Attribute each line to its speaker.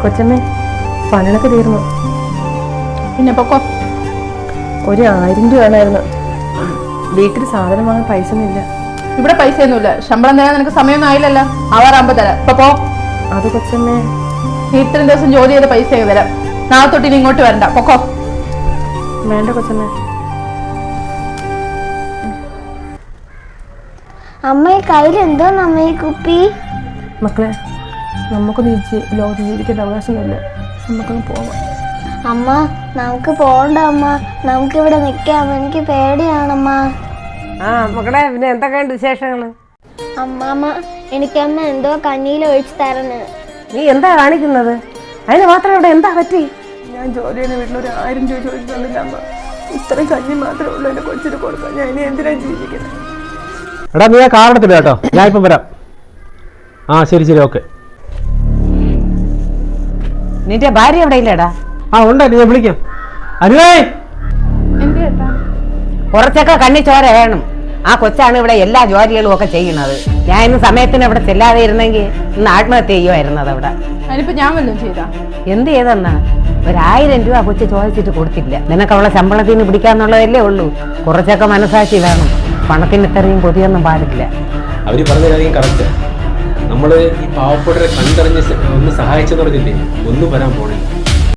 Speaker 1: കൊച്ചമ്മേ, പണികളൊക്കെ തീർന്നു.
Speaker 2: പിന്നെ പൊക്കോ.
Speaker 1: ഒരു 1000 രൂപ വേണമായിരുന്നു. വീട്ടിൽ സാധനം വാങ്ങാൻ പൈസ ഒന്നുമില്ല.
Speaker 2: ഇവിടെ പൈസ ഒന്നുമില്ല. ശമ്പളം തരാൻ നിനക്ക് സമയമൊന്നും ആയില്ലല്ലോ. ആവാറാകുമ്പോ തരാം. ഇപ്പൊ പോ.
Speaker 1: അത് കൊച്ചമ്മേ,
Speaker 2: ഇത്രയും ദിവസം ജോലി ചെയ്ത പൈസ തരാം. നാളെ തൊട്ട് ഇനി ഇങ്ങോട്ട് വരണ്ട. പൊക്കോ.
Speaker 1: വേണ്ട കൊച്ചമ്മേ.
Speaker 3: അമ്മ ഈ കയ്യിൽ എന്തോന്ന് അമ്മ ഈ കുപ്പി?
Speaker 1: മക്കളെ, നമുക്കൊന്ന് ലോകത്ത് ജീവിക്കേണ്ട അവകാശമൊന്നുമില്ല. നമുക്കൊന്ന് പോവാം.
Speaker 3: അമ്മ നമുക്ക് പോണ്ട അമ്മ, നമുക്കിവിടെ നിൽക്കാം. എനിക്ക് പേടിയാണമ്മ.
Speaker 4: മക്കളെ, പിന്നെ എന്തൊക്കെയുണ്ട് വിശേഷങ്ങള്?
Speaker 3: അമ്മാമ്മ, എനിക്കമ്മ എന്തോ കഞ്ഞിയിൽ ഒഴിച്ചു തരണേ.
Speaker 4: നീ എന്താ കാണിക്കുന്നത്? അതിന് മാത്രം ഇവിടെ എന്താ പറ്റി?
Speaker 1: ഞാൻ ജോലി ചെയ്യുന്ന വീട്ടിൽ ഒരു 1000 രൂപ ചോദിച്ചു തന്നില്ല അമ്മ. ഇത്രയും കഞ്ഞി മാത്രമേ ഉള്ളൂ എൻ്റെ കൊച്ചിന് കൊടുക്കാൻ. ഞാൻ ഇനി എന്തിനാ ജീവിക്കുന്നത്?
Speaker 5: എടാ, നീ ആ കാറെടുത്തില്ല കേട്ടോ, ഞാൻ ഇപ്പം വരാം. ആ ശരി ശരി, ഓക്കെ.
Speaker 4: നിന്റെ ഭാര്യ എവിടെ ഇല്ലടാ?
Speaker 5: ആ ഉണ്ട്, ഞാൻ വിളിക്കാം. അനുവേ,
Speaker 2: എന്ത് കേട്ടാ?
Speaker 4: കുറച്ചൊക്കെ കണ്ണി ചോര വേണം. ആ കൊച്ചാണ് ഇവിടെ എല്ലാ ജോലികളും ഒക്കെ ചെയ്യുന്നത്. ഞാൻ ഇന്ന് സമയത്തിന് ഇവിടെ ചെല്ലാതെ ഇരുന്നെങ്കിൽ ഇന്ന് ആത്മഹത്യ ചെയ്യുമായിരുന്നത് അവിടെ.
Speaker 2: അതിനിപ്പോ ഞാൻ വല്ലതും ചെയ്താ?
Speaker 4: എന്ത് ചെയ്തെന്നാ? 1000 രൂപ കൊച്ചു ചോദിച്ചിട്ട് കൊടുത്തില്ല. നിനക്ക് അവളെ ശമ്പളത്തിന് പിടിക്കാന്നുള്ളതല്ലേ ഉള്ളൂ. കുറച്ചൊക്കെ മനസാക്ഷി വേണം. പണത്തിന് ഇത്രയും കൊതിയൊന്നും പാടില്ല.
Speaker 5: അവര് പറഞ്ഞ കാര്യം കറക്റ്റ്. നമ്മള് ഈ പാവപ്പെട്ടവരെ കണ്ടറിഞ്ഞ് ഒന്ന് സഹായിച്ചെന്ന് പറഞ്ഞില്ലേ, ഒന്നും വരാൻ പോണില്ല.